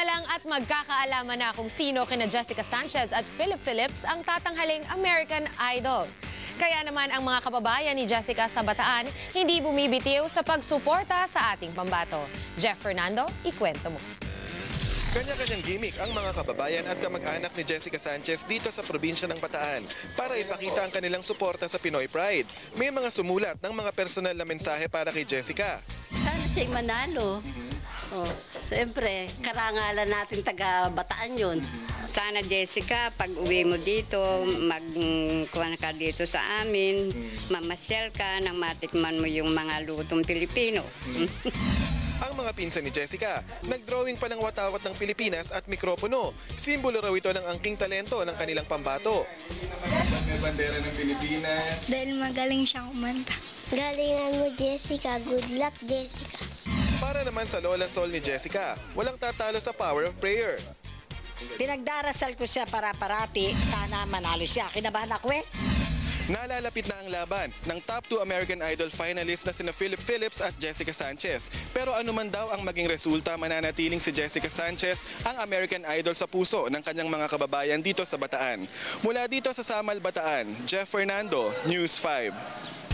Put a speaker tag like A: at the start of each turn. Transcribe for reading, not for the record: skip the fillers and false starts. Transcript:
A: lang at magkakaalaman na kung sino kina Jessica Sanchez at Philip Phillips ang tatanghaling American Idol. Kaya naman ang mga kababayan ni Jessica sa Bataan hindi bumibitiw sa pagsuporta sa ating pambato. Jeff Fernando, ikwento mo.
B: Kanya-kanyang gimmick ang mga kababayan at kamag-anak ni Jessica Sanchez dito sa probinsya ng Bataan para ipakita ang kanilang suporta sa Pinoy Pride. May mga sumulat ng mga personal na mensahe para kay Jessica.
C: Sana siya manalo. Siyempre, karangalan natin taga Bataan yun.
D: Sana Jessica, pag uwi mo dito, magkuhan ka dito sa amin, mamasyal ka nang matikman mo yung mga lutong Pilipino.
B: Ang mga pinsan ni Jessica, nagdrawing pa ng watawat ng Pilipinas at mikropono. Simbolo raw ito ng angking talento ng kanilang pambato.
E: May bandera ng Pilipinas.
F: Dahil magaling siyang kumanta. Galingan mo, Jessica. Good luck, Jessica.
B: Para naman sa Lola Sol ni Jessica, walang tatalo sa power of prayer.
G: Pinagdarasal ko siya para parati, sana manalo siya. Kinabahan ako eh.
B: Nalalapit na ang laban ng top 2 American Idol finalists na sina Philip Phillips at Jessica Sanchez. Pero anuman daw ang maging resulta, mananatiling si Jessica Sanchez ang American Idol sa puso ng kanyang mga kababayan dito sa Bataan. Mula dito sa Samal, Bataan, Jeff Fernando, News 5.